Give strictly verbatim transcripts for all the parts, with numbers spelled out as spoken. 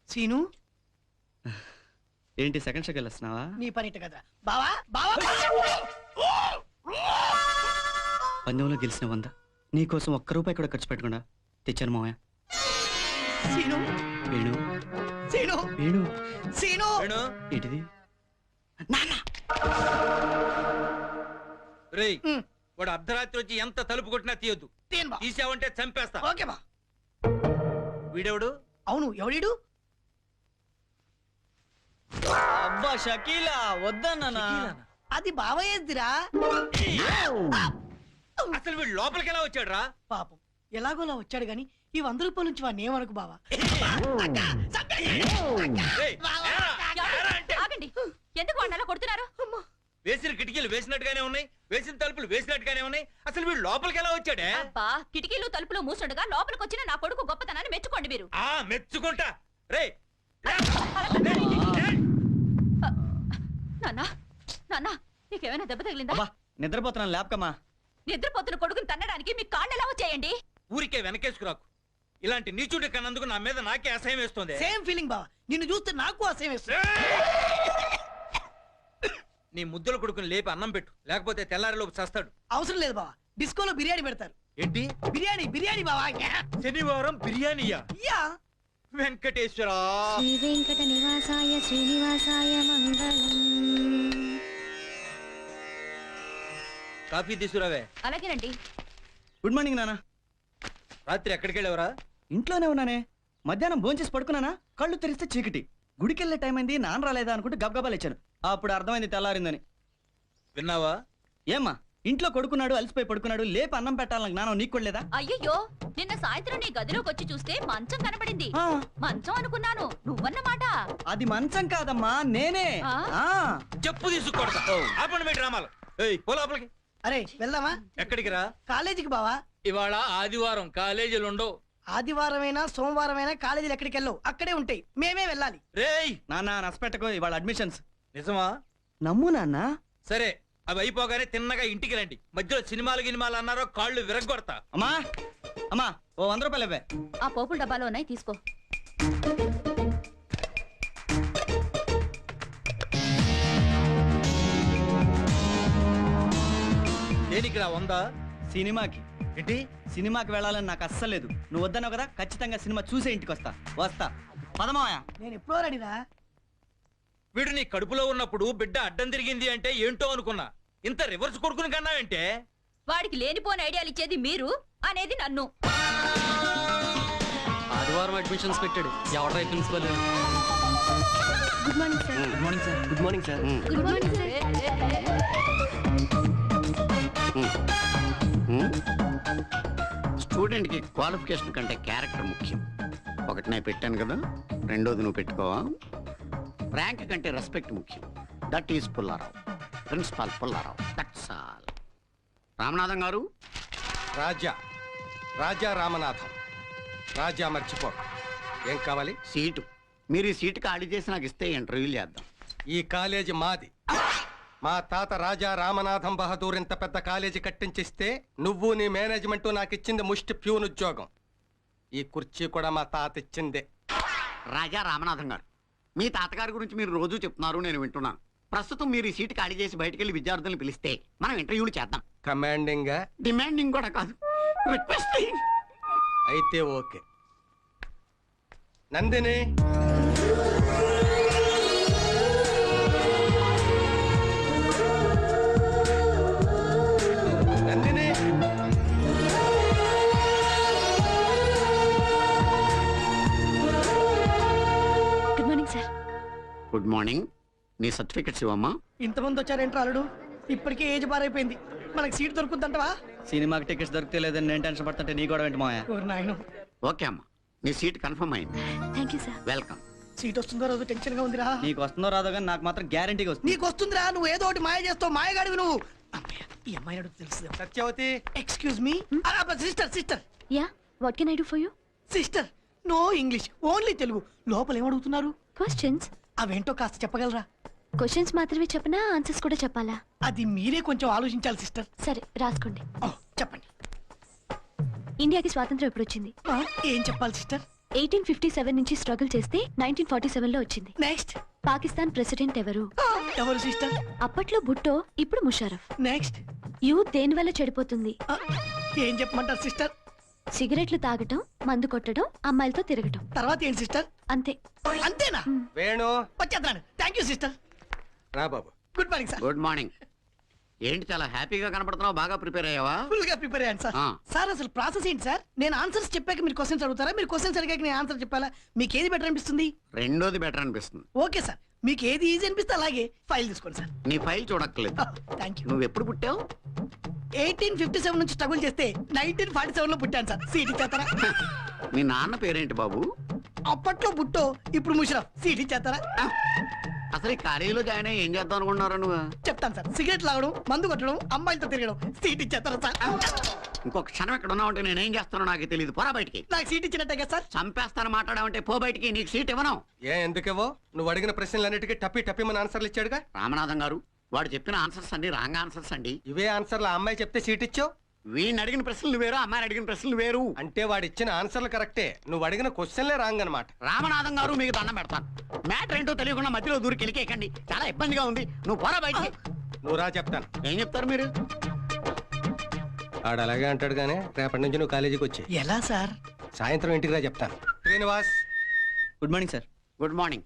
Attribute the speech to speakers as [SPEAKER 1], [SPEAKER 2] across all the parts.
[SPEAKER 1] Scene
[SPEAKER 2] ఏంటి second షోకి వెళ్ళొస్తున్నావా?
[SPEAKER 1] నీ పనిట కదా బావా బావా.
[SPEAKER 2] పందెంలో గెలిచిన వంద నీకోసం ఒక్క రూపాయి కూడా ఖర్చు పెట్టకుండా తెచ్చాను మావయ్య.
[SPEAKER 1] సీను
[SPEAKER 2] వేణు
[SPEAKER 1] సీను
[SPEAKER 2] వేణు
[SPEAKER 1] సీను
[SPEAKER 2] ఏంటిది?
[SPEAKER 1] నాన్న
[SPEAKER 3] రేయ్ వాడు అర్ధరాత్రి వచ్చి ఎంత తలుపు కొట్టినా తీయొద్దు. తీసావంటే చంపేస్తా.
[SPEAKER 1] ఓకే బా.
[SPEAKER 3] వీడెవడు?
[SPEAKER 1] అవును ఎవడీడు?
[SPEAKER 2] అబ్బా షకీలా వద్దన్నా.
[SPEAKER 1] అది బావయ్యదిరా.
[SPEAKER 3] అసలు వీడు లోపలికి ఎలా వచ్చాడు రా?
[SPEAKER 1] పాపం ఎలాగోలా వచ్చాడు గాని ఈ వంద రూపాయల నుంచి వాడిని ఏమనుకు బావా.
[SPEAKER 4] ఎందుకు వాడిని అలా కొడుతున్నారు?
[SPEAKER 3] వేసిన కిటికీలు వేసినట్టుగానే ఉన్నాయి, వేసిన తలుపులు వేసినట్టుగానే ఉన్నాయి. అసలు వీడు లోపలికి ఎలా వచ్చాడే?
[SPEAKER 4] అబ్బా కిటికీలు తలుపులు మూసుండగా లోపలికి వచ్చిన నా కొడుకు గొప్పతనాన్ని మెచ్చుకోండి మీరు.
[SPEAKER 3] ఆ మెచ్చుకుంటా. రే
[SPEAKER 4] నాన్నా నాన్నా నీకేమైనా దెబ్బ తగిలిందా?
[SPEAKER 2] నిద్రపోతున్నాను లేపకమ్మా.
[SPEAKER 4] నిద్రపోతున్న కొడుకుని తన్నడానికి మీ కాళ్ళు ఎలా వచ్చాయండి?
[SPEAKER 3] ఊరికే వెనకేసుకురాకు. ఇలాంటి నీచుడి కన్నందుకు నా మీద నాకే అసహ్యం వేస్తుంది.
[SPEAKER 1] సేమ్ ఫీలింగ్ బావా, నిన్ను చూస్తే నాకు అసహ్యం వేస్తుంది.
[SPEAKER 3] నీ ముద్దుల కొడుకుని లేపి అన్నం పెట్టు, లేకపోతే తెల్లారిలోపు చస్తాడు.
[SPEAKER 1] అవసరం లేదు బావా, డిస్కోలో బిర్యానీ పెడతారు.
[SPEAKER 3] ఏంటి
[SPEAKER 1] బిర్యానీ? బిర్యానీ బావా.
[SPEAKER 3] శనివారం బిర్యానీయా?
[SPEAKER 1] యా.
[SPEAKER 3] వెంకటేశ్వర
[SPEAKER 5] శ్రీ వెంకట నివాసాయ శ్రీనివాసాయ మంగళం.
[SPEAKER 3] కాఫీ తీసుకురావే.
[SPEAKER 4] అలాగేనండి.
[SPEAKER 2] గుడ్ మార్నింగ్ నాన్న.
[SPEAKER 3] రాత్రి ఎక్కడికి వెళ్ళావరా?
[SPEAKER 2] ఇంట్లోనే ఉన్నానే. మధ్యాహ్నం భోంచేసి పడుకున్నానా, కళ్ళు తెరిస్తే చీకటి. గుడికెళ్ళే టైం అయింది, నాన్న రాలేదా అనుకుంటే గబగబాలు ఇచ్చాను. అప్పుడు అర్థమైంది తెల్లారిందని.
[SPEAKER 3] విన్నావా?
[SPEAKER 2] ఏమ్మా ఇంట్లో కొడుకున్నాడు, అలసిపోయి పడుకున్నాడు, లేపి అన్నం పెట్టాలని జ్ఞానం నీకు కూడా లేదా?
[SPEAKER 4] అయ్యయ్యో నిన్న సాయంత్రం నీ గదిలోకి వచ్చి చూస్తే మంచం కనబడింది.
[SPEAKER 2] ఆ.
[SPEAKER 4] మంచం అనుకున్నాను, నువ్వన్నమాట.
[SPEAKER 2] అది మంచం కాదమ్మా, నేనే.
[SPEAKER 4] ఆ?
[SPEAKER 2] ఆ
[SPEAKER 3] చెప్పు తీసుకొడతా. ఆపండి మీ డ్రామాలు. ఏయ్ పో లోపలికి.
[SPEAKER 1] అరే వెళ్దామా?
[SPEAKER 3] ఎక్కడికి రా?
[SPEAKER 1] కాలేజీకి బావా.
[SPEAKER 3] ఇవాళ ఆదివారం, కాలేజీలు ఉండవు.
[SPEAKER 1] ఆదివారమైనా సోమవారమైనా కాలేజీలు ఎక్కడికి వెళ్ళవు, అక్కడే ఉంటాయి. మేమే వెళ్ళాలి.
[SPEAKER 3] రేయ్
[SPEAKER 2] నాన్న నష్టపెట్టకు, ఇవాళ అడ్మిషన్స్.
[SPEAKER 3] నిజమా?
[SPEAKER 2] నమ్ము నాన్న.
[SPEAKER 3] సరే అవి అయిపోగానే తిన్నగా ఇంటికి రండి. మధ్యలో సినిమాలు గినిమాలు అన్నారో కాళ్ళు విరగొడతా.
[SPEAKER 2] అమ్మా అమ్మా ఓ వంద రూపాయలు ఇవ్వే.
[SPEAKER 4] ఆ పోపుల డబ్బాలో ఉన్నాయి, తీసుకో.
[SPEAKER 3] దేనికి రా వందా?
[SPEAKER 2] సినిమాకి.
[SPEAKER 3] ఏంటి?
[SPEAKER 2] సినిమాకి వెళ్ళాలని నాకు అస్సలు లేదు. నువ్వు వద్దన్నావు కదా, ఖచ్చితంగా సినిమా చూసే ఇంటికి వస్తా. వస్తా పదమాయా.
[SPEAKER 1] నేను ఎప్పుడో రెడీరా.
[SPEAKER 3] వీడు నీ కడుపులో ఉన్నప్పుడు బిడ్డ అడ్డం తిరిగింది అంటే ఏంటో అనుకున్నా. ఇంత రివర్స్ కొడుకుని కన్నావంటే?
[SPEAKER 4] వాడికి లేనిపోని ఐడియాలు ఇచ్చేది మీరు, అనేది నన్ను.
[SPEAKER 2] ఆదివారం అడ్మిషన్స్ పెట్టాడు. ఎవరు principal?
[SPEAKER 5] Good morning sir.
[SPEAKER 2] Good morning sir. Good morning sir.
[SPEAKER 5] Good morning sir.
[SPEAKER 6] స్టూడెంట్కి క్వాలిఫికేషన్ కంటే క్యారెక్టర్ ముఖ్యం. ఒకటి నేను పెట్టాను కదా, రెండోది నువ్వు పెట్టుకోవా. ర్యాంక్ కంటే రెస్పెక్ట్ ముఖ్యం. That is Pullarao, principal Pullarao. That's all. Ramanatham గారు.
[SPEAKER 7] రాజా రాజా రామనాథం. రాజా మర్చిపో. ఏం కావాలి?
[SPEAKER 6] సీటు. మీరు ఈ సీటు ఖాళీ చేసి నాకు ఇస్తే ఇంటర్వ్యూలు చేద్దాం.
[SPEAKER 7] ఈ కాలేజీ మాది. మా తాత రాజా రామనాథం బహదూర్ ఇంత పెద్ద కాలేజీ కట్టించిస్తే నువ్వు నీ మేనేజ్మెంట్ నాకు ఇచ్చింది ముష్టి ప్యూన్ ఉద్యోగం. ఈ కుర్చీ కూడా మా తాత ఇచ్చిందే.
[SPEAKER 6] రాజా రామనాథం గారు, మీ తాతగారి గురించి మీరు రోజు చెప్తున్నారు, నేను వింటున్నాను. ప్రస్తుతం మీరు ఈ సీటు ఖాళీ చేసి బయటకు వెళ్ళి విద్యార్థులను పిలిస్తే మనం ఇంటర్వ్యూలు చేద్దాం.
[SPEAKER 7] కమాండింగ్
[SPEAKER 6] డిమాండింగ్ కూడా కాదు, రిక్వెస్టింగ్.
[SPEAKER 7] అయితే okay. Nandini, Nandini.
[SPEAKER 5] Good morning sir.
[SPEAKER 6] Good morning. నీ సర్టిఫికెట్స్ ఇవ్వమ్మా.
[SPEAKER 1] ఇంతమంది వచ్చారేంట్రా అల్లుడు? ఇప్పటికే ఏజ్ బారైపోయింది, మనకి సీట్ దొరుకుతుందంటవా?
[SPEAKER 2] సినిమాకి టికెట్స్ దొరికితే లేదని నేను టెన్షన్ పడుతుంటే నీ కూడా ఏంటి మాయా?
[SPEAKER 1] నాయన.
[SPEAKER 6] ఓకే అమ్మా, నీ సీట్ కన్ఫర్మ్ అయింది.
[SPEAKER 5] Thank you sir.
[SPEAKER 6] Welcome.
[SPEAKER 1] Seat వస్తుందో రోజు టెన్షన్ గా ఉందిరా.
[SPEAKER 2] నీకు వస్తుందో రాదో కానీ నాకు మాత్రం గ్యారంటీగా వస్తుంది.
[SPEAKER 1] నీకు వస్తుందిరా, నువ్వు ఏదో ఒకటి మాయ చేస్తావు. మాయగాడివి నువ్వు. అమ్మయ్య, ఈ అమ్మాయి అడుగు తెలుసు.
[SPEAKER 7] Satyavathi.
[SPEAKER 1] Excuse me. Sister sister
[SPEAKER 5] yeah, what can I do for you?
[SPEAKER 1] Sister, no English, only Telugu. లోపల ఏమడుగుతున్నారు?
[SPEAKER 5] క్వశ్చన్స్.
[SPEAKER 1] అవేంటో కాస్త చెప్పగలరా?
[SPEAKER 5] క్వశ్చన్స్ మాత్రమే చెప్పనా, ఆన్సర్స్ కూడా చెప్పాలా?
[SPEAKER 1] అది మీరే కొంచెం ఆలోచించాలి సిస్టర్.
[SPEAKER 5] సరే రాసుకోండి.
[SPEAKER 1] చెప్పండి.
[SPEAKER 5] ఇండియాకి స్వాతంత్రం ఎప్పుడు వచ్చింది?
[SPEAKER 1] ఏం చెప్పాలి సిస్టర్?
[SPEAKER 5] ఎయిటీన్ ఫిఫ్టీ సెవెన్ నుంచి స్ట్రగుల్ చేస్తే నైన్టీన్ ఫార్టీ సెవెన్ లో వచ్చింది.
[SPEAKER 1] నెక్స్ట్
[SPEAKER 5] పాకిస్తాన్ ప్రెసిడెంట్ ఎవరు?
[SPEAKER 1] ఎవరు సిస్టర్?
[SPEAKER 5] అప్పట్లో భుట్టో, ఇప్పుడు ముషారఫ్.
[SPEAKER 1] నెక్స్ట్
[SPEAKER 5] యూత్ దేని వల్ల చెడిపోతుంది?
[SPEAKER 1] ఏం చెప్పమంటారు సిస్టర్?
[SPEAKER 5] సిగరెట్లు తాగటం, మందు కొట్టడం, అమ్మాయిలతో తిరగటం.
[SPEAKER 1] తర్వాత ఏంటి సిస్టర్?
[SPEAKER 5] అంతే.
[SPEAKER 1] అంతేనా?
[SPEAKER 7] వేణు
[SPEAKER 1] వచ్చేద్దాను. Thank you sister.
[SPEAKER 7] రా బాబు.
[SPEAKER 1] Good morning sir.
[SPEAKER 6] Good morning. ఏంటి చాలా హ్యాపీగా కనపడుతున్నావు? బాగా ప్రిపేర్ అయ్యావా?
[SPEAKER 1] ఫుల్ గా ప్రిపేర్ అయ్యాను సార్.
[SPEAKER 6] ఆ.
[SPEAKER 1] సార్ అసలు ప్రాసెస్ ఏంటి సార్? నేను ఆన్సర్స్ చెప్పాక మీరు క్వశ్చన్స్ అడుగుతారా? మీరు క్వశ్చన్స్ అడిగాక నేను ఆన్సర్ చెప్పాలా? మీకు ఏది బెటర్ అనిపిస్తుంది?
[SPEAKER 6] రెండోది బెటర్ అనిపిస్తుంది.
[SPEAKER 1] ఓకే సార్, మీకు ఏది ఈజీ అనిపిస్తే అలాగే ఫైల్ తీసుకోండి సార్.
[SPEAKER 6] నీ ఫైల్ చూడక్కర్లేదు.
[SPEAKER 1] Thank you.
[SPEAKER 6] నువ్వు ఎప్పుడు పుట్టావు?
[SPEAKER 1] ఎయిటీన్ ఫిఫ్టీ సెవెన్ నుంచి స్ట్రగుల్ చేస్తే నైన్టీన్ ఫార్టీ సెవెన్ లో పుట్టాను సార్. సీట్ ఇచ్చేస్తారా?
[SPEAKER 6] మీ నాన్న పేరేంటి బాబు?
[SPEAKER 1] అప్పట్లో బుట్టో, ఇప్పుడు ముషరఫ్. సీట్ ఇచ్చేస్తారా?
[SPEAKER 6] అసలు ఈ కాలేజీలో జాయిన్ అయ్యి ఏం చేద్దాం అనుకున్నారా నువ్వు?
[SPEAKER 1] చెప్తాను సార్. సిగరెట్ లాగడం, మందు కొట్టడం, అమ్మాయిలతో తిరగడం. సీట్ ఇచ్చేస్తారా సార్?
[SPEAKER 6] ఇంకొక క్షణం ఎక్కడ ఉన్నావు అంటే నేనేం చేస్తానో నాకు తెలియదు. పోరా బయటికి.
[SPEAKER 1] నాకు సీట్ ఇచ్చినట్టే కదా సార్?
[SPEAKER 6] చంపేస్తాను మాట్లాడావంటే పో బయటికి. నీకు సీట్ ఇవ్వను.
[SPEAKER 7] ఏ ఎందుకేవో? నువ్వు అడిగిన ప్రశ్నలన్నిటికీ టప్పి టప్పి మన ఆన్సర్లు ఇచ్చాడుగా.
[SPEAKER 6] రామనాథం గారు, వాడు చెప్పిన ఆన్సర్స్ అండి రాంగ్ ఆన్సర్స్ అండి.
[SPEAKER 7] ఇవే ఆన్సర్లు ఆ అమ్మాయి చెప్తే సీట్ ఇచ్చావు.
[SPEAKER 6] వీడిని అడిగిన ప్రశ్నలు వేరు, అమ్మాయిని అడిగిన ప్రశ్నలు వేరు.
[SPEAKER 7] అంటే వాడు ఇచ్చిన ఆన్సర్లు కరెక్టే, నువ్వు అడిగిన క్వశ్చన్లే రాంగ్ అనమాట.
[SPEAKER 6] రామనాథం గారు, మీకు దండం పెడతాను. మ్యాటర్ ఏంటో తెలియకుండా మధ్యలో దూరికి వెళ్ళికేకండి. చాలా ఇబ్బందిగా ఉంది. నువ్వు పోరా బయటికి.
[SPEAKER 7] నువ్వు రా చెప్తాను.
[SPEAKER 6] ఏం చెప్తారు మీరు?
[SPEAKER 7] ఆడు అలాగే అంటాడు కానీ రేపటి నుంచి నువ్వు కాలేజీకి వచ్చి
[SPEAKER 1] ఎలా సార్?
[SPEAKER 7] సాయంత్రం ఇంటికి రా చెప్తాను. Srinivas.
[SPEAKER 2] Good morning sir.
[SPEAKER 6] Good morning.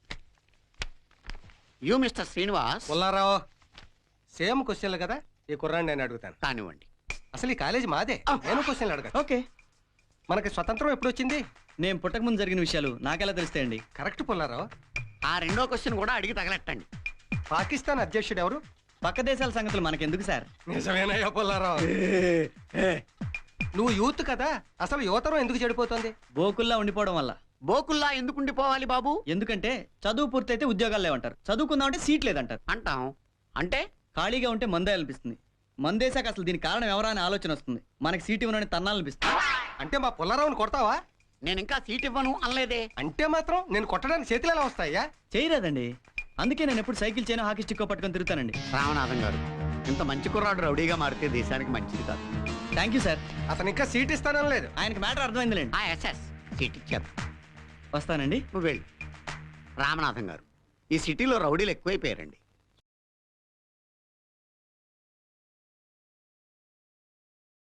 [SPEAKER 6] You mister Srinivas.
[SPEAKER 7] Pullarao. Same క్వశ్చన్లు కదా, ఈ కుర్రాన్ని నేను అడుగుతాను.
[SPEAKER 6] కానివ్వండి.
[SPEAKER 7] అసలు ఈ కాలేజీ మాదే, నేను క్వశ్చన్లు అడగను.
[SPEAKER 2] ఓకే.
[SPEAKER 7] మనకి స్వతంత్రం ఎప్పుడు వచ్చింది?
[SPEAKER 2] నేను పుట్టక ముందు జరిగిన విషయాలు నాకెలా తెలుస్తాయండి?
[SPEAKER 7] కరెక్ట్ పుల్లారావు.
[SPEAKER 6] ఆ రెండో క్వశ్చన్ కూడా అడిగి తగలెట్టండి.
[SPEAKER 7] పాకిస్తాన్ అధ్యక్షుడు ఎవరు?
[SPEAKER 2] పక్క దేశాల సంగతులు మనకెందుకు సార్?
[SPEAKER 7] నిజమేనయ్యా పుల్లారావు. నువ్వు యూత్ కదా, అసలు యువతరం ఎందుకు చెడిపోతుంది?
[SPEAKER 2] బోకుల్లా ఉండిపోవడం వల్ల.
[SPEAKER 6] బోకుల్లా ఎందుకు ఉండిపోవాలి బాబు?
[SPEAKER 2] ఎందుకంటే చదువు పూర్తయితే ఉద్యోగాలు లేవంటారు, చదువుకుందామంటే సీట్ లేదంటారు.
[SPEAKER 6] అంటాం. అంటే
[SPEAKER 2] ఖాళీగా ఉంటే మందే అనిపిస్తుంది. మందేశాక అసలు దీనికి కారణం ఎవరా అని ఆలోచన వస్తుంది. మనకి సీట్ ఇవ్వనని తన్నాలనిపిస్తుంది.
[SPEAKER 7] అంటే మా పుల్లారావుని కొడతావా?
[SPEAKER 6] నేను ఇంకా సీట్ ఇవ్వను అనలేదే.
[SPEAKER 7] అంటే మాత్రం నేను కొట్టడానికి చేతులు ఎలా వస్తాయా?
[SPEAKER 2] చేయరాదండి. అందుకే నేను ఎప్పుడు సైకిల్ చేయను, హాకీ స్టిక్ పట్టుకొని తిరుగుతానండి.
[SPEAKER 6] రామనాథం గారు, ఇంత మంచి కుర్రాడు రౌడీగా మారితే దేశానికి మంచిది కాదు.
[SPEAKER 2] Thank you sir.
[SPEAKER 7] అతను ఇంకా సీట్ ఇస్తానని లేదు.
[SPEAKER 2] ఆయనకి మ్యాటర్ అర్థమైందిలేండి.
[SPEAKER 6] ఆ ఎస్ఎస్ సీట్ ఇచ్చారు.
[SPEAKER 2] వస్తానండి.
[SPEAKER 6] నువ్వు వెళ్ళు. రామనాథం గారు, ఈ సిటీలో రౌడీలు ఎక్కువైపోయారండి.